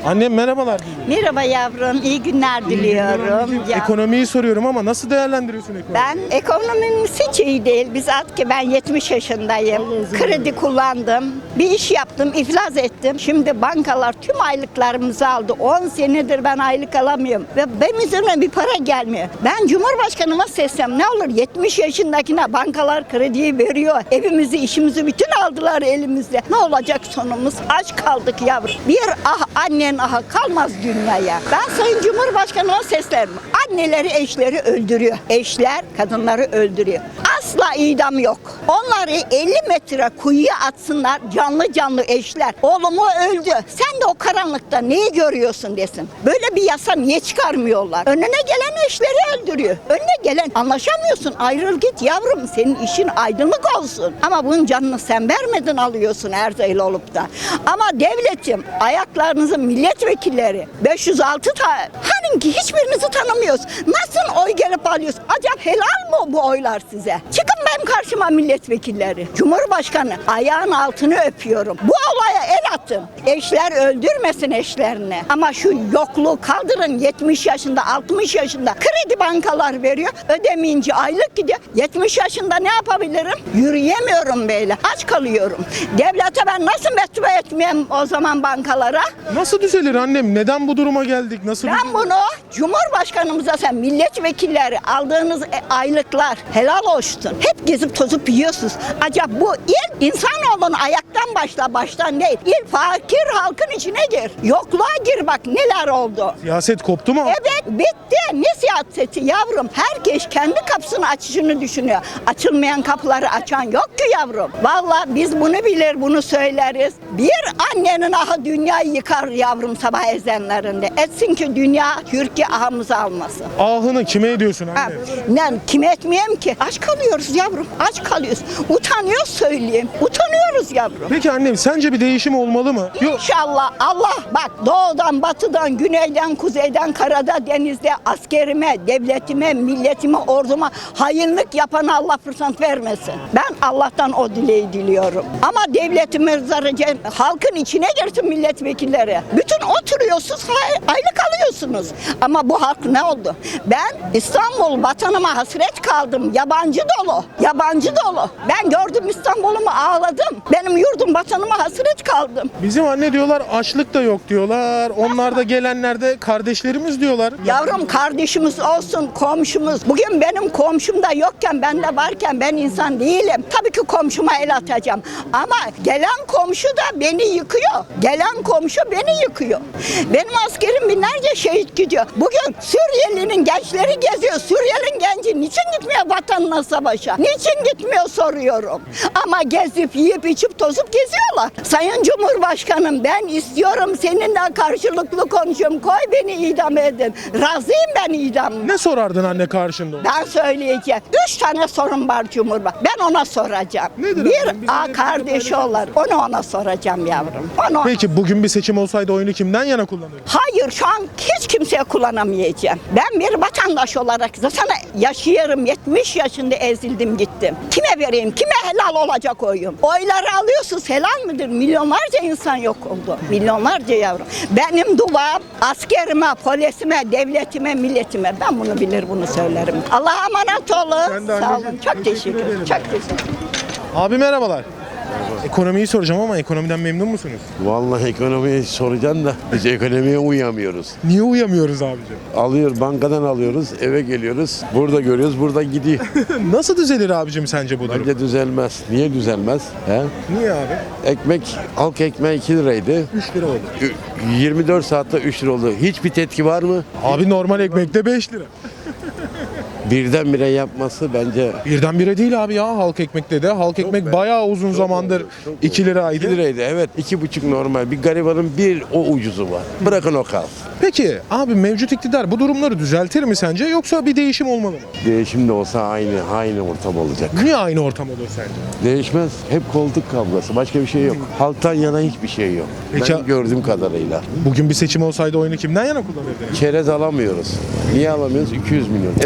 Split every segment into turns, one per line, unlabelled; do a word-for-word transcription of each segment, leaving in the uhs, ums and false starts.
Annem merhabalar.
Merhaba yavrum, iyi günler diliyorum. Ya,
Ekonomiyi soruyorum ama nasıl değerlendiriyorsun ekonomiyi?
ben ekonomimiz hiç iyi değil. Biz artık ben yetmiş yaşındayım. Kredi kullandım. Bir iş yaptım, iflas ettim. Şimdi bankalar tüm aylıklarımızı aldı. on senedir ben aylık alamıyorum. Ve benim üzerime bir para gelmiyor. Ben Cumhurbaşkanıma seslem ne olur yetmiş yaşındakine bankalar krediyi veriyor. Evimizi, işimizi bütün aldılar elimizde. Ne olacak sonumuz? Aç kaldık yavrum. Bir ah annen aha kalmaz dünyaya. Ben Sayın Cumhurbaşkanıma seslerim. Anneleri eşleri öldürüyor. Eşler kadınları öldürüyor. Asla idam yok. Onları elli metre kuyuya atsınlar canlı canlı eşler. Oğlumu öldü. Sen de o karanlıkta neyi görüyorsun desin. Böyle bir yasa niye çıkarmıyorlar? Önüne gelen eşleri öldürüyor. Önüne gelen anlaşamıyorsun. Ayrıl git yavrum. Senin işin aydınlık olsun. Ama bunun canını sen vermedin alıyorsun Erzeyli olup da. Ama devletim ayaklarınızı milletvekilleri beş yüz altı tane hani ki hiçbirinizi tanımıyoruz. Nasıl oy gelip alıyorsun? Acaba helal mı bu oylar size? Çıkın benim karşıma milletvekilleri. Cumhurbaşkanı ayağın altını öpüyorum. Bu olaya el atın. Eşler öldürmesin eşlerini. Ama şu yokluğu kaldırın. yetmiş yaşında altmış yaşında kredi bankalar veriyor. Ödemeyince aylık gidiyor. yetmiş yaşında ne yapabilirim? Yürüyemiyorum böyle. Aç kalıyorum. Devlete ben nasıl mektube etmeyeyim o zaman bankalara?
Nasıl düzelir annem? Neden bu duruma geldik? Nasıl
Ben
düzelir?
bunu Cumhurbaşkanımıza sen milletvekilleri aldığınız e, aylıklar helal olsun. Hep gezip tozup yiyorsunuz. Acaba bu il insanoğlunun ayaktan başla baştan değil. İl fakir halkın içine gir. Yokluğa gir bak neler oldu.
Siyaset koptu mu?
Evet bitti. Ne siyaseti yavrum? Herkes kendi kapısını açışını düşünüyor. Açılmayan kapıları açan yok ki yavrum. Vallahi biz bunu bilir bunu söyleriz. Bir annenin ahı dünyayı yıkar yavrum sabah ezanlarında. Etsin ki dünya Türkiye ahımızı almasın.
Ahını kime ediyorsun
Ha,
anne?
ne, kime etmeyeyim ki? Aç kalıyoruz yavrum. Aç kalıyoruz. Utanıyoruz söyleyeyim. Utanıyoruz yavrum.
Peki annem sence bir değişim olmalı mı? Yok.
İnşallah Allah bak doğudan, batıdan, güneyden, kuzeyden, karada, denizde askerime, devletime, milletime, orduma hainlik yapana Allah fırsat vermesin. Ben Allah'tan o dileği diliyorum. Ama devletimiz zarıca halkın içine girsin milletvekilleri. Bütün oturuyorsunuz, hay- aylık alıyorsunuz. Ama bu halk ne oldu? Ben İstanbul vatanıma hasret kaldım. Yabancı dolu. Yabancı dolu. Ben gördüm İstanbul'umu ağladım. Benim yurdum vatanıma hasret kaldım.
Bizim anne diyorlar açlık da yok diyorlar. Onlar da gelenler de kardeşlerimiz diyorlar.
Yavrum kardeşimiz olsun, komşumuz. Bugün benim komşum da yokken, ben de varken ben insan değilim. Tabii ki komşuma el atacağım. Ama gelen komşu da beni yıkıyor. Gelen komşu beni yıkıyor. Benim askerim binlerce şehit gidiyor. Bugün Suriyelinin gençleri geziyor. Suriyelinin genci niçin gitmiyor vatanına savaşa? Niçin gitmiyor soruyorum. Ama gezip yiyip içip tozup geziyorlar. Sayın Cumhurbaşkanım ben istiyorum seninle karşılıklı konuşuyorum. Koy beni idam edin. Razıyım ben idam.
Ne sorardın anne karşında?
Ben söyleyeceğim. Üç tane sorun var Cumhurbaşkanı. Ben ona soracağım.
Nedir
bir
efendim? Bizim
A
de
kardeşi olur. Onu ona soracağım yavrum. Onu
Peki bugün bir seçim olsaydı oyunu kimden yana kullanırdın?
Hayır şu an hiç kimseye kullanamayacağım. Ben bir vatandaş olarak zaten yaşıyorum. yetmiş yaşında ezildim gittim. Kime vereyim? Kime helal olacak oyum? Oyları alıyorsunuz helal midir? Milyonlarca insan yok oldu. Milyonlarca yavrum. Benim duam askerime, polisime, devletime, milletime. Ben bunu bilir bunu söylerim. Allah'a emanet olun.
Sen de
Sağ
anneciğim,
olun. Çok
teşekkür
teşekkür ederim.
ederim.
Çok teşekkür ederim.
Abi merhabalar. Ekonomiyi soracağım ama ekonomiden memnun musunuz?
Vallahi ekonomiyi soracaksın da biz ekonomiye uyamıyoruz.
Niye uyamıyoruz abicim?
Alıyor bankadan alıyoruz, eve geliyoruz. Burada görüyoruz, burada gidiyor.
Nasıl düzelir abicim sence bu durum?
Bence düzelmez. Niye düzelmez? He?
Niye abi?
Ekmek, halk ekmeği iki liraydı.
üç lira oldu.
Ü- yirmi dört saatte üç lira oldu. Hiçbir tetki var mı?
Abi normal ekmekte beş lira.
Birdenbire yapması bence
Birdenbire değil abi ya halk ekmekte de. Halk ekmek
be.
bayağı uzun zamandır
oldu, çok
iki liraydı.
iki liraydı. Evet, iki buçuk normal. Bir garibanın bir o ucuzu var. Bırakın o kalsın.
Peki abi mevcut iktidar bu durumları düzeltir mi sence yoksa bir değişim olmalı mı?
Değişim de olsa aynı, aynı ortam olacak.
Niye aynı ortam olur sence?
Değişmez. Hep koltuk kavgası. Başka bir şey yok. Halktan yana hiçbir şey yok.
Peki-
Ben gördüğüm kadarıyla.
Bugün bir seçim olsaydı oyunu kimden yana kullanırdın?
Çerez alamıyoruz. Niye alamıyoruz? iki yüz milyon. Eskiden yirmi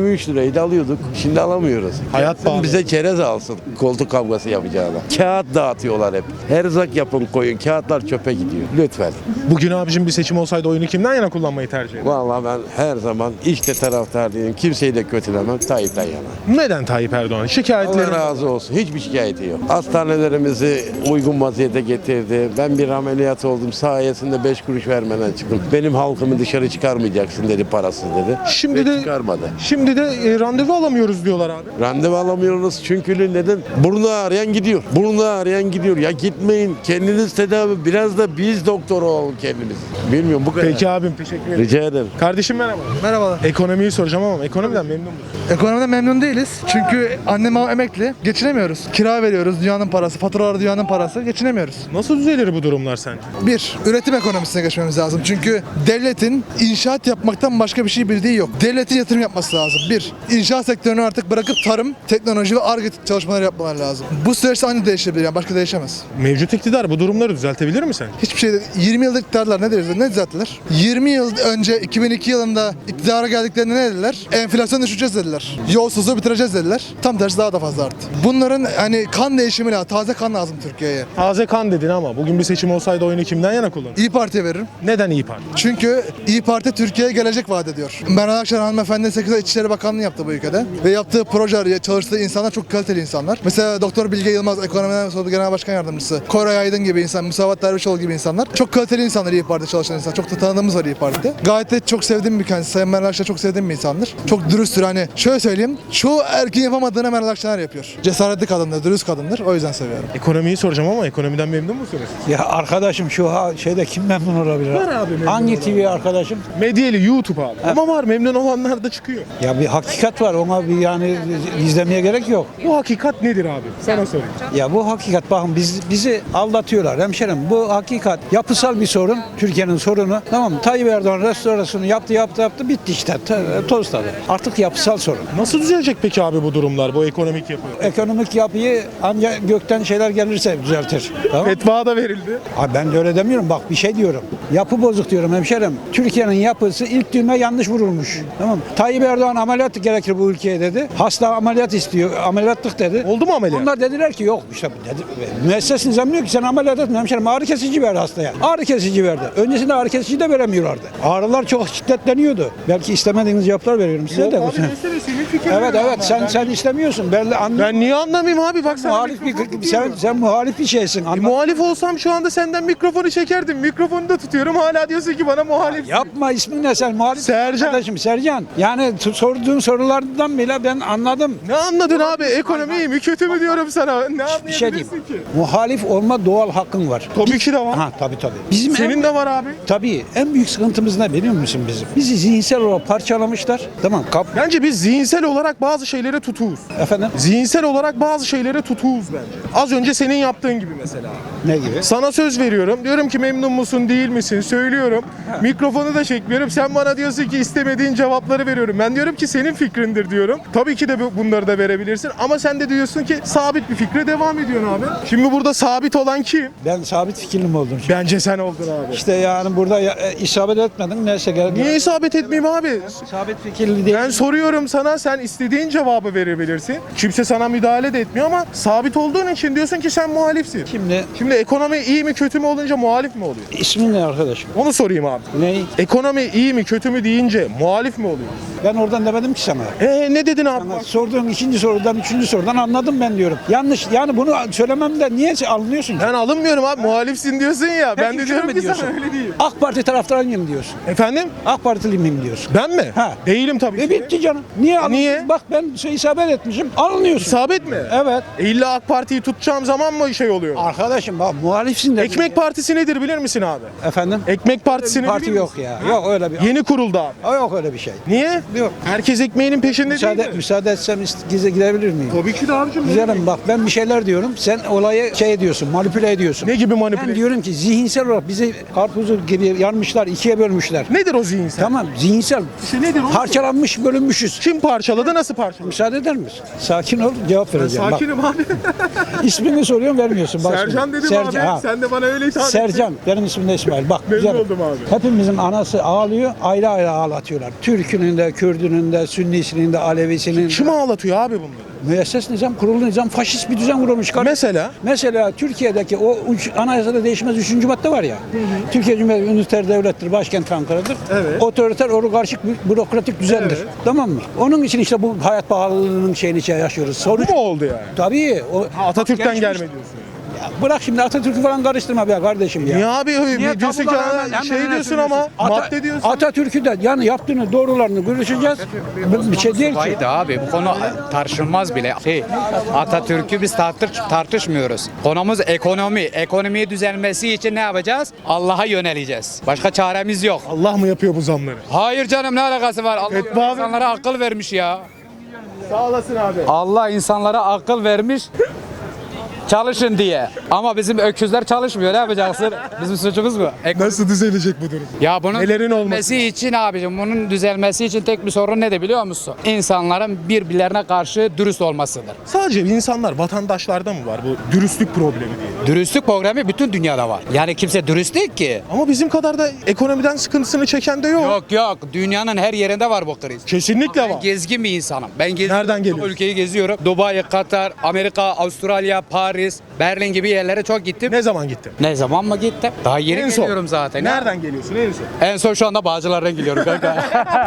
yirmi üç liraydı alıyorduk. Şimdi alamıyoruz.
Hayat
Gelsin
pahalı.
bize çerez alsın koltuk kavgası yapacağına. Kağıt dağıtıyorlar hep. Erzak yapın koyun. Kağıtlar çöpe gidiyor. Lütfen.
Bugün abicim bir seçim olsaydı oyunu kimden yana kullanmayı tercih eder?
Vallahi ben her zaman işte taraftar değilim. Kimseyi de kötülemem. Tayyip'ten yana.
Neden Tayyip Erdoğan?
Allah
Şikayetleri
razı olsun. Hiçbir şikayeti yok. Hastanelerimizi uygun vaziyete getirdi. Ben bir ameliyat oldum. Sayesinde beş kuruş vermeden çıktım. Benim halkımı dışarı çıkarmayacaksın dedi, parasız dedi.
Şimdi
Ve
de
çıkarmadı.
şimdi de e, randevu alamıyoruz diyorlar abi.
Randevu alamıyoruz çünkü neden? Burnu ağrıyan gidiyor. Burnu ağrıyan gidiyor. Ya gitmeyin. Kendiniz tedavi. Biraz da biz doktor olalım kendimiz. Bilmiyorum bu kadar.
Peki abim, teşekkür ederim.
Rica ederim.
Kardeşim merhaba.
Merhabalar.
Ekonomiyi soracağım ama ekonomiden memnun musun?
Ekonomiden memnun değiliz. Çünkü annem babam emekli. Geçinemiyoruz. Kira veriyoruz. Dünyanın parası. Faturalar dünyanın parası. Geçinemiyoruz.
Nasıl düzelir bu durumlar sence?
Bir, üretim ekonomisine geçmemiz lazım. Çünkü devletin inşaat yapmaktan başka bir şey bildiği yok. Devletin yatırım yapması lazım. Bir, inşaat sektörünü artık bırakıp tarım, teknoloji ve Ar-Ge çalışmaları yapmaları lazım. Bu süreçte aynı değişebilir. Yani başka değişemez.
Mevcut iktidar bu durumları düzeltebilir mi sence?
Hiçbir şey yirmi yıllık iktidarlar ne dediler? Ne düzelttiler? yirmi yıl önce iki bin iki yılında iktidara geldiklerinde ne dediler? Enflasyon düşüreceğiz dediler. Yolsuzluğu bitireceğiz dediler. Tam tersi daha da fazla arttı. Bunların hani kan değişimi lazım. Taze kan lazım Türkiye'ye.
Taze kan dedin ama bugün bir seçim olsaydı oyunu kimden yana kullanırdın?
İyi Parti'ye veririm.
Neden İYİ Parti?
Çünkü İyi Parti Türkiye'ye gelecek vaat ediyor. Meral Akşener hanımefendi sekiz ay İçişleri Bakanlığı yaptı bu ülkede. Ve yaptığı projeler, çalıştığı insanlar çok kaliteli insanlar. Mesela Doktor Bilge Yılmaz, Ekonomiden Sorumlu Genel Başkan Yardımcısı. Koray Aydın gibi insan, Musavat Dervişoğlu gibi insanlar. Çok kaliteli insanlar İyi Parti'de çalışan insan. Çok da tanıdığımız var İyi Parti'de. Gayet de çok sevdiğim bir kendisi. Sayın Meral Akşener çok sevdiğim bir insandır. Çok dürüsttür. Hani şöyle söyleyeyim. Çoğu erkeğin yapamadığını Meral Akşener yapıyor. Cesaretli kadındır, dürüst kadındır. O yüzden seviyorum.
Ekonomiyi soracağım ama ekonomiden memnun musunuz?
Ya arkadaşım şu ha şeyde kim memnun olabilir?
Var abi memnun
Hangi
olan.
T V arkadaşım?
Medyeli YouTube abi. Ama var, memnun olanlar da çıkıyor.
Ya bir hakikat var, ona bir yani izlemeye gerek yok.
Bu hakikat nedir abi? Sana sorayım.
Ya bu hakikat, bakın biz bizi aldatıyorlar hemşerim. Bu hakikat yapısal bir sorun, Türkiye'nin sorunu. Tamam mı? Tayyip Erdoğan restorasyonu yaptı yaptı yaptı bitti işte. T- Toz tadı. Artık yapısal sorun.
Nasıl düzelecek peki abi bu durumlar, bu ekonomik yapı?
Ekonomik yapıyı ancak gökten şeyler gelirse düzeltir. Tamam mı?
Fetva da verildi.
Abi ben de öyle demiyorum. Bak bir şey diyorum. Yapı bozuk diyorum hemşerim. Türkiye'nin yapısı ilk düğme yanlış vurulmuş. Tamam mı? Tayyip Erdoğan ameliyat gerekir bu ülkeye dedi. Hasta ameliyat istiyor. Ameliyatlık dedi.
Oldu mu ameliyat?
Onlar dediler ki yok işte dedi. Müesses nizam diyor ki sen ameliyat etme hemşerim. Ağrı kesici ver hastaya. Ağrı kesici verdi. Öncesinde ağrı kesici de veremiyorlardı. Ağrılar çok şiddetleniyordu. Belki istemediğiniz cevaplar veriyorum size
Yok
de.
abi, mesele senin fikrin.
Evet evet sen sen istemiyorsun. Belli anlı-
Ben niye anlamayayım abi, bak sen
muhalif bir sen sen muhalif bir şeysin.
E,
Anla-
muhalif olsam şu anda senden mikrofonu çekerdim. Mikrofonu da tutuyorum. Hala diyorsun ki bana muhalif.
Yapma, ismin ne sen? Muhalif
Sercan.
Kardeşim Sercan. Yani t- sorduğun sorulardan bile ben anladım.
Ne anladın abi? Ekonomi iyi mi kötü mü diyorum sana. Ne
Bir şey diyeyim.
anlayabilirsin ki?
Muhalif olma doğal hakkın var.
Tabii ki de var.
Ha tabii tabii. Bizim
Senin
en,
de var abi.
tabii en büyük sıkıntımız ne biliyor musun bizim? Bizi zihinsel olarak parçalamışlar. Tamam kap
Bence biz zihinsel olarak bazı şeylere tutuğuz.
efendim
Zihinsel olarak bazı şeylere tutuğuz bence. Az önce senin yaptığın gibi mesela.
ne gibi?
Sana söz veriyorum. Diyorum ki memnun musun değil misin? Söylüyorum. Mikrofonu da çekmiyorum. Sen bana diyorsun ki istemediğin cevapları veriyorum. Ben diyorum ki senin fikrindir diyorum. Tabii ki de bu- bunları da verebilirsin. Ama sen de diyorsun ki sabit bir fikre devam ediyorsun abi. Şimdi burada sabit olan kim?
Ben sabit fikirli oldum.
Bence sen oldun abi.
İşte yani burada ya, e, isabet etmedin. Neyse gel.
Niye isabet etmeyeyim abi?
Sabit fikirli değil.
Ben soruyorum sana, sen istediğin cevabı verebilirsin. Kimse sana müdahale de etmiyor ama sabit olduğun için diyorsun ki sen muhalifsin.
Şimdi
Şimdi ekonomi iyi mi kötü mü olunca muhalif mi oluyor?
ismin ne arkadaşım?
Onu sorayım abi.
Ne?
Ekonomi iyi mi kötü mü deyince muhalif mi oluyor?
Ben oradan demedim ki sana.
Ee ne dedin abi?
Sana sorduğun ikinci sorudan, üçüncü sorudan anladım ben diyorum. Yanlış. Yani bunu söylememden niye alınıyorsun ki?
Ben alınmıyorum abi, muhalifsin diyorsun ya. Ben
Peki
de
şunu
diyorum
mu
ki
diyorsun?
sana öyle değil.
AK Parti taraftarıyım diyorsun.
Efendim?
AK Partili miyim diyorsun.
Ben mi?
Ha.
Değilim tabii
E
ki.
bitti canım. Niye alın-
niye?
Bak ben şey isabet etmişim. Alınıyorsun.
İsabet mi?
Evet.
E illa AK Parti'yi tutacağım zaman mı şey oluyor?
Arkadaşım bak muhalifsin de.
Ekmek Partisi nedir bilir misin abi?
Efendim?
Ekmek Partisi nedir
Parti
bilir
yok
misin?
ya. Yok öyle bir.
Yeni kuruldu abi.
O yok öyle bir şey.
Niye?
Yok.
Herkes ekmeğinin peşinde
Müsaade,
değil mi?
müsaade etsem ist- gize gidebilir miyim?
Tabii ki de abicim.
Güzelim bak ben bir şeyler diyorum. Sen olayı şey ediyorsun, manipüle ediyorsun.
Ne gibi
Ben
manipüle?
diyorum ki zihinsel olarak bizi karpuzu gibi yarmışlar, ikiye bölmüşler.
Nedir o zihinsel?
Tamam zihinsel.
İşte nedir o?
Parçalanmış, bölünmüşüz.
Kim parçaladı, nasıl parçaladı?
Müsaade eder misin? Sakin ol, cevap vereceğim. Bak,
Sakinim abi.
İsmini soruyorum vermiyorsun. Bak
Sercan
şimdi.
dedim
Sercan,
abi.
ha.
Sen de bana öyle hitap ettin.
Sercan, benim ismim de İsmail. Bak
Memnun
güzel.
oldum abi.
Hepimizin anası ağlıyor, ayrı ayrı ağlatıyorlar. Türk'ünün de, Kürdünün de, Sünnisinin de, Alevisinin de.
Kim ağlatıyor abi bunları?
Müesses nizam, kurulu nizam, faşist bir düzen kurulmuş.
Mesela?
Mesela Türkiye'deki o üç, anayasada değişmez üçüncü madde var ya. Türkiye Cumhuriyeti üniter devlettir, başkent Ankara'dır.
Evet.
Otoriter, oligarşik, bü- bürokratik düzendir.
Evet.
Tamam mı? Onun için işte bu hayat pahalılığının şeyini şey yaşıyoruz.
Bu
Sonuç
mu oldu yani?
tabii. O,
Atatürk'ten
Gelişmiş-
gelme diyorsun.
Ya bırak şimdi Atatürk'ü falan karıştırma be kardeşim ya.
Niye abi?
Niye
diyorsun ki
tabulara hemen-
şey
hemen
diyorsun ama
Ata-
madde diyorsun.
Atatürk'ü de yani yaptığını doğrularını görüşeceğiz. Bir- Bir şey değil ki.
Haydi abi bu konu tartışılmaz bile. Şey, Atatürk'ü biz tartış, tartışmıyoruz. Konumuz ekonomi. Ekonomiyi düzelmesi için ne yapacağız? Allah'a yöneleceğiz. Başka çaremiz yok.
Allah mı yapıyor bu zamları?
Hayır canım ne alakası var? Allah
Fetva abi.
insanlara akıl vermiş ya.
Sağ olasın abi.
Allah insanlara akıl vermiş. Çalışın diye. Ama bizim öküzler çalışmıyor. Ne yapacaksın? Bizim suçumuz mu? Ek-
Nasıl düzelecek bu durum?
Ya bunun
Nelerin olması
düzelmesi için abicim, bunun düzelmesi için tek bir sorun ne de biliyor musun? İnsanların birbirlerine karşı dürüst olmasıdır.
Sadece insanlar, vatandaşlarda mı var bu dürüstlük problemi diye?
Dürüstlük programı bütün dünyada var. Yani kimse dürüst değil ki.
Ama bizim kadar da ekonomiden sıkıntısını çeken de yok.
Yok yok. Dünyanın her yerinde var bu kriz.
Kesinlikle
Ben
var.
gezgin bir insanım. Ben geziyorum.
Nereden
Çok
geliyorsun?
ülkeyi geziyorum. Dubai, Katar, Amerika, Avustralya, Paris, Berlin gibi yerlere çok gittim.
Ne zaman gittin?
Ne zaman mı gittim? Daha yeni
En son.
geliyorum zaten.
Nereden geliyorsun en son?
En son şu anda Bağcılar'dan geliyorum kanka.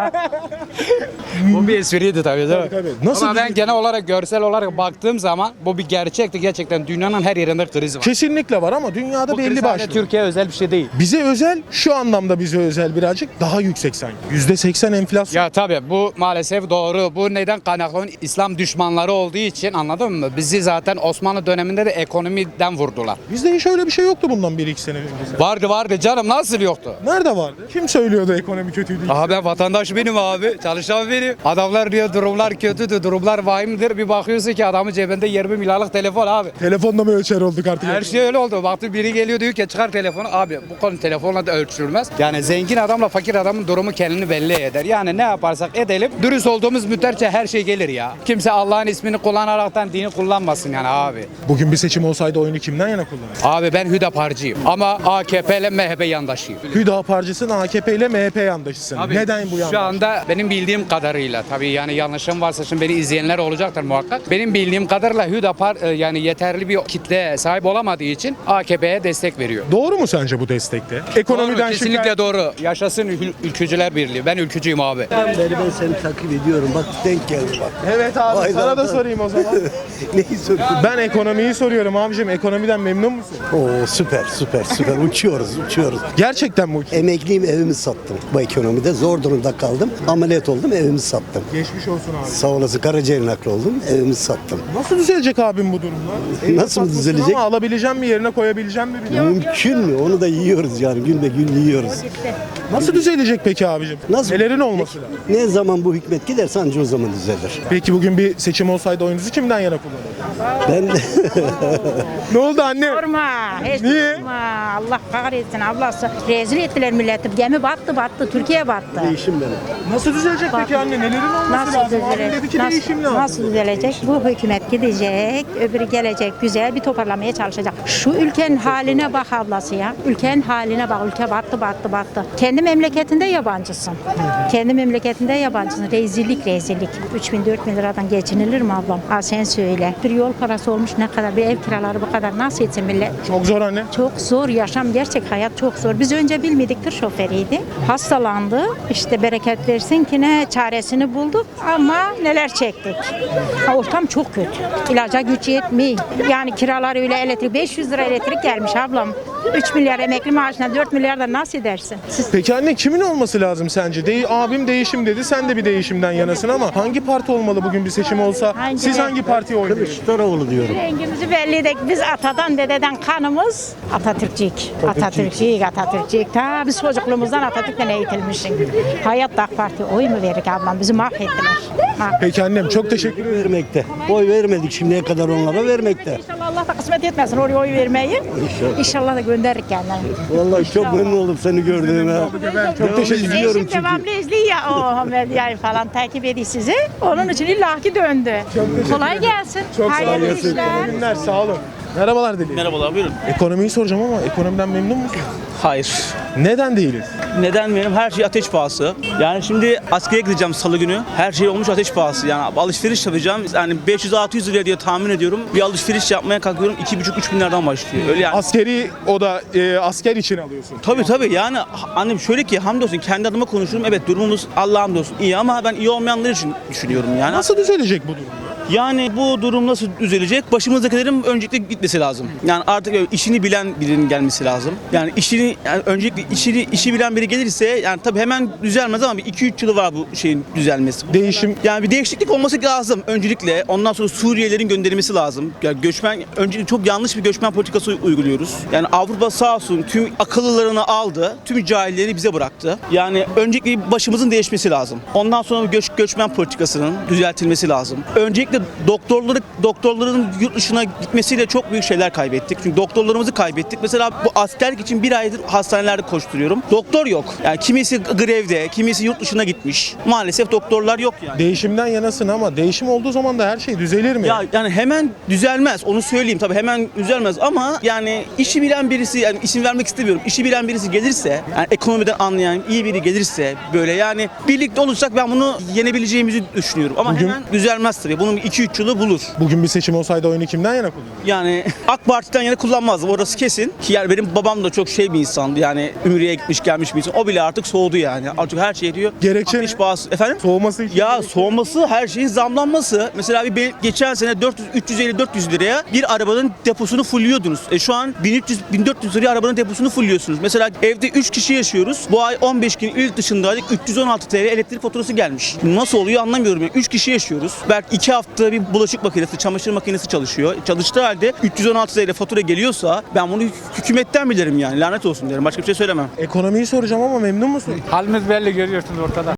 Bu bir espriydi tabii değil mi?
Tabii, tabii. Nasıl
Ama ben
bir-
genel olarak görsel olarak baktığım zaman bu bir gerçekti. Gerçekten dünyanın her yerinde kriz var.
Kesinlikle var ama dünyada
Bu
belli
kriz
başlı.
sadece Türkiye özel bir şey değil.
Bize özel, şu anlamda bize özel birazcık daha yüksek sanki. yüzde seksen enflasyon.
Ya tabii bu maalesef doğru. Bu neden kaynaklı? İslam düşmanları olduğu için, anladın mı? Bizi zaten Osmanlı döneminde de ekonomiden vurdular.
Bizde hiç öyle bir şey yoktu bundan bir iki sene önce.
Vardı vardı canım, nasıl yoktu?
Nerede vardı? Kim söylüyordu ekonomi kötüydü?
Aha ben vatandaş benim abi. Çalışan benim. Adamlar diyor durumlar kötüdür, durumlar vahimdir. Bir bakıyorsun ki adamın cebinde yirmi milyarlık telefon abi.
Telefonla mı ölçer olduk artık?
Her şey öyle oldu. Baktı biri geliyor diyor ki çıkar telefonu. Abi bu konu telefonla da ölçülmez. Yani zengin adamla fakir adamın durumu kendini belli eder. Yani ne yaparsak edelim dürüst olduğumuz müddetçe her şey gelir ya. Kimse Allah'ın ismini kullanaraktan dini kullanmasın yani abi.
Bugün bir seçim olsaydı oyunu kimden yana kullanır?
Abi ben Hüdaparcıyım ama A K P ile M H P yandaşıyım.
Hüdaparcısın, A K P ile M H P yandaşısın.
Abi,
Neden bu yandaş?
Şu anda benim bildiğim kadarıyla tabii yani yanlışım varsa şimdi beni izleyenler olacaktır muhakkak. Benim bildiğim kadarıyla Hüdapar e, yani yeterli bir kitle sahip olamadığı için A K P'ye destek veriyor.
Doğru mu sence bu destekte? Ekonomiden
Doğru, kesinlikle
şikayet-
doğru. Yaşasın ül- ülkücüler birliği. Ben ülkücüyüm abi.
Beri ben seni takip ediyorum. Bak denk geldi bak.
Evet abi
Aynen.
sana da sorayım o zaman.
Neyi soruyorsun?
Ben ekonomiyi soruyorum abicim. Ekonomiden memnun musun?
Oo süper süper süper. Uçuyoruz uçuyoruz.
Gerçekten mi?
Emekliyim evimi sattım. Bu ekonomide zor durumda kaldım. Ameliyat oldum evimi sattım.
Geçmiş olsun abi.
Sağ olasın Karaciğer nakli oldum evimi sattım.
Nasıl düzelecek abim bu durumlar?
Nasıl mı
Haklısın
düzelecek?
Ama alabileceğim mi yerine koyabileceğim mi? bilmiyorum.
Mümkün mü? Onu da yiyoruz yani gün be gün yiyoruz.
Nasıl düzelecek peki abicim?
Nasıl?
Nelerin olması lazım?
Ne zaman bu hükmet giderse anca o zaman düzelir.
Peki bugün bir seçim olsaydı oyunuzu kimden yana kullanırdınız?
Ben de
Ne oldu anne?
Sorma. Hiç
Niye?
sorma. Allah kahretsin ablası. Rezil ettiler milleti. Gemi battı battı. Türkiye battı.
değişim benim.
Nasıl düzelecek peki anne? Nelerin olması
Nasıl
lazım? Abim
düzelecek?
dedi ki
Nasıl,
değişim lazım.
nasıl düzelecek? Bu hükümet gidecek, öbürü gelecek, güzel bir toparlamaya çalışacak. Şu ülkenin haline bak ablası ya. Ülkenin haline bak. Ülke battı, battı, battı. Kendi memleketinde yabancısın. Kendi memleketinde yabancısın. Rezillik, rezillik. üç bin dört bin liradan geçinilir mi ablam? Ha sen söyle. Bir yol parası olmuş ne kadar? Bir ev kiraları bu kadar. Nasıl etsin millet?
Çok zor anne.
Çok zor yaşam, gerçek hayat çok zor. Biz önce bilmedik, tır şoförüydü. Hastalandı. İşte bereket versin ki ne çaresini bulduk ama neler çektik. Ha, ortam çok kötü. İlaca güç yetmiyor. Yani kiralar öyle, elektrik beş yüz lira elektrik gelmiş ablam. üç milyar emekli maaşına dört milyar da nasıl edersin? Siz
Peki anne kimin olması lazım sence? De abim değişim dedi. Sen de bir değişimden yanasın ama hangi parti olmalı bugün bir seçim olsa?
Hangi
Siz
renk?
hangi partiye oy verirsiniz?
Kılıçdaroğlu diyorum.
rengimizi belli biz atadan dededen kanımız Atatürkçük. Atatürkçük, Atatürkçük. Ta biz çocukluğumuzdan Atatürk'ten eğitilmişik. Hayatta AK Parti oy mu verik ablam? Bizi mahvettiler. Mahvettiler.
Peki annem çok teşekkür ederim.
Vermekte. Oy vermedik şimdiye kadar onlara vermekte.
İnşallah Allah da kısmet etmesin oraya oy vermeyi. İnşallah. İnşallah da gönderir kendini.
Vallahi çok memnun oldum seni gördüğüme.
Ben çok teşekkür ederim.
izliyorum
Eşim devamlı izliyor ya o medyayı falan takip ediyor sizi. Onun için illaki döndü. Kolay gelsin.
Çok sağ
Hayırlı
olun.
işler.
İyi günler, sağ olun. Merhabalar Deli.
Merhabalar, buyurun.
Ekonomiyi soracağım ama ekonomiden memnun musun?
Hayır.
Neden değiliz?
Neden benim? Her şey ateş pahası. Yani şimdi askere gideceğim salı günü. Her şey olmuş ateş pahası. Yani alışveriş yapacağım. Yani beş yüz altı yüz liraya diye tahmin ediyorum. Bir alışveriş yapmaya kalkıyorum. iki buçuk üç bin liradan başlıyor. Öyle yani.
Askeri o da e, asker için alıyorsun.
Tabii tabii yani annem şöyle ki hamdolsun kendi adıma konuşurum. Evet durumumuz Allah'a hamdolsun iyi ama ben iyi olmayanlar için düşünüyorum yani.
Nasıl düzelecek bu durum?
Yani bu durum nasıl düzelecek? Başımızdakilerin öncelikle gitmesi lazım. Yani artık işini bilen birinin gelmesi lazım. Yani işini yani öncelikle işini işi bilen biri gelirse yani tabii hemen düzelmez ama bir iki üç yılı var bu şeyin düzelmesi.
Değişim.
Yani bir değişiklik olması lazım öncelikle. Ondan sonra Suriyelilerin gönderilmesi lazım. Yani göçmen öncelikle çok yanlış bir göçmen politikası uyguluyoruz. Yani Avrupa sağ olsun tüm akıllılarını aldı. Tüm cahilleri bize bıraktı. Yani öncelikle başımızın değişmesi lazım. Ondan sonra göç, göçmen politikasının düzeltilmesi lazım. Öncelikle doktorları doktorların yurt dışına gitmesiyle çok büyük şeyler kaybettik. Çünkü doktorlarımızı kaybettik. Mesela bu askerlik için bir aydır hastanelerde koşturuyorum. Doktor yok. Yani kimisi grevde, kimisi yurt dışına gitmiş. Maalesef doktorlar yok yani.
Değişimden yanasın ama değişim olduğu zaman da her şey düzelir mi?
Ya yani hemen düzelmez. Onu söyleyeyim tabii hemen düzelmez ama yani işi bilen birisi yani isim vermek istemiyorum. İşi bilen birisi gelirse yani ekonomiden anlayan iyi biri gelirse böyle yani birlikte olursak ben bunu yenebileceğimizi düşünüyorum. Ama
Bugün-
hemen düzelmez tabii. Bunun iki üç yılı bulur.
Bugün bir seçim olsaydı oyunu kimden yana kullanırdın?
Yani AK Parti'den yana kullanmazdım. Orası kesin. Ki yani benim babam da çok şey bir insandı. Yani Ümre'ye gitmiş gelmiş bir insan. O bile artık soğudu yani. Artık her şey diyor.
Gerekçe
ateş
ne?
pahası. Efendim?
Soğuması için.
Ya soğuması, her şeyin zamlanması. Mesela bir benim geçen sene dört yüz üç yüz elli dört yüz liraya bir arabanın deposunu fulliyordunuz. E şu an bin üç yüz bin dört yüz liraya arabanın deposunu fulliyorsunuz. Mesela evde üç kişi yaşıyoruz. Bu ay on beş gün il dışındaydık. üç yüz on altı T L elektrik faturası gelmiş. Nasıl oluyor anlamıyorum. Yani üç kişi yaşıyoruz. Belki iki hafta bir bulaşık makinesi, çamaşır makinesi çalışıyor. Çalıştığı halde üç yüz on altı T L fatura geliyorsa ben bunu hükümetten bilirim yani. Lanet olsun derim. Başka bir şey söylemem.
Ekonomiyi soracağım ama memnun musun?
Halimiz belli görüyorsunuz ortada.